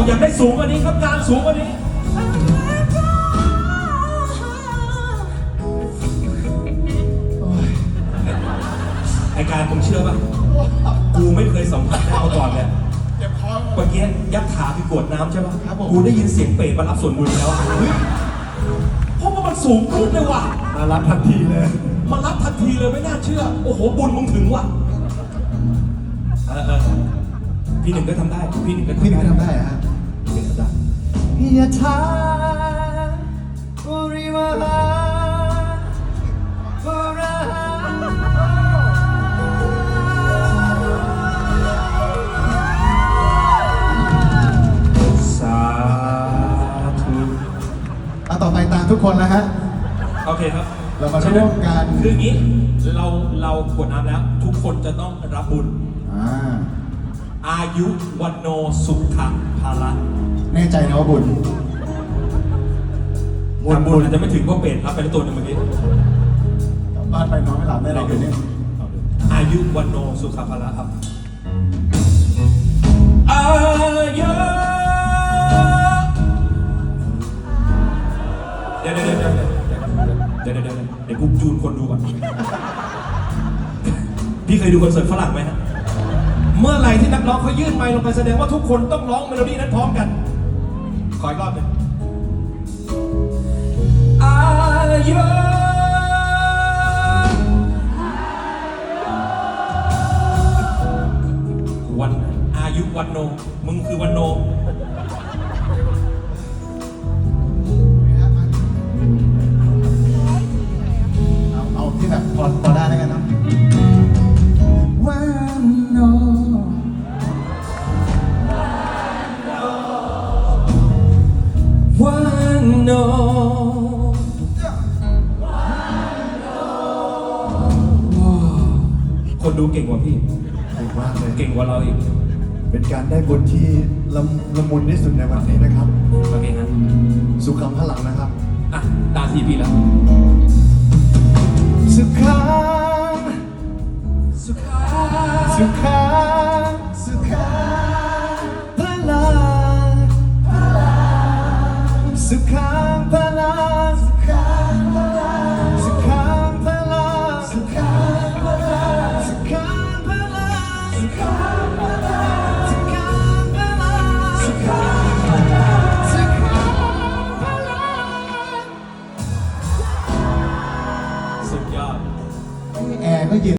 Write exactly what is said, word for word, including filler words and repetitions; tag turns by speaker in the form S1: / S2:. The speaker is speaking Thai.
S1: บอกอยากได้สูงกว่านี้ครับการสูงกว่านี้ไอการผมเชื่อป่ะกูไม่เคยสัมผัสได้มาก่อนเลยเมื่อกี้ยักษ์ขาคือกวดน้ำใช่ป่ะกูได้ยินเสียงเปรตมารับส่วนบุญแล้วเพราะว่ามันสูงขึ้นเลยว่ะ
S2: มารับทันทีเลย
S1: มารับทันทีเลยไม่น่าเชื่อโอ้โหบุญมึงถึงว่ะเออเออพี่หนึ่งก็ทำได้พี่หนึ่งก็
S2: พี่หนึ่งก็ทำได้ฮะ
S1: พี่หนึ่งก็ทำได้
S2: ยะถาปุริวหาปุระหา
S1: สาธุ
S2: เอาต่อไปตามทุกคนนะฮะ
S1: โอเคครับ
S2: เรามาร่วมกัน
S1: คืออย่างนี้เราเรากวดน้ำแล้วทุกคนจะต้องรับบุญ
S2: อ่า
S1: อายุวันโนสุขะภาระ
S2: แน่ใจนะว่าบุญ
S1: บุญบุญอาจจะไม่ถึงเพราะเป็ดรับไปแล้วตัวหนึ่งเมื่อกี้
S2: กลับบ้านไปนอนไม่หลับได้เลยคืนนี้
S1: อายุวันโนสุขะภาระครับอายุเดี๋ยวเดี๋ยวเดี๋ยวเดี๋ยวเดี๋ยวเดี๋ยวเดี๋ยวเดี๋ยวกูจูนคนดูก่อนพี่เคยดูคอนเสิร์ตฝรั่งไหมฮะเมื่อไหร่ที่นักร้องเขายื่นไมค์ลงไปแสดงว่าทุกคนต้องร้องเมโลดี้นั้นพร้อมกันขออีกรอบหนึ่งอายุวันอายุวันโนมึงคือวันโน
S2: เอาเอาที่แบบพอพอได้แล้วกันนะวันโน
S1: วันโนคนดูเก่งกว่าพี่
S2: เก่งมากเลย
S1: เก่งกว่าเราอีก
S2: เป็นการได้บุญที่ละละมุนที่สุดในวันนี้นะครับ
S1: โอเคครับ
S2: สุขังพลังนะครับ
S1: อ่ะตาทีพี่แล้ว
S2: สุขัง
S1: สุขัง
S2: สุขังสุขังพลังสุขังพลังสุขังพลังสุขังพลังสุขังพลังสุขังพลังสุขังพลังสุขังพลังสุขังพลังสุขังพลัง
S1: สุดยอด
S2: แอร์ก็เย็น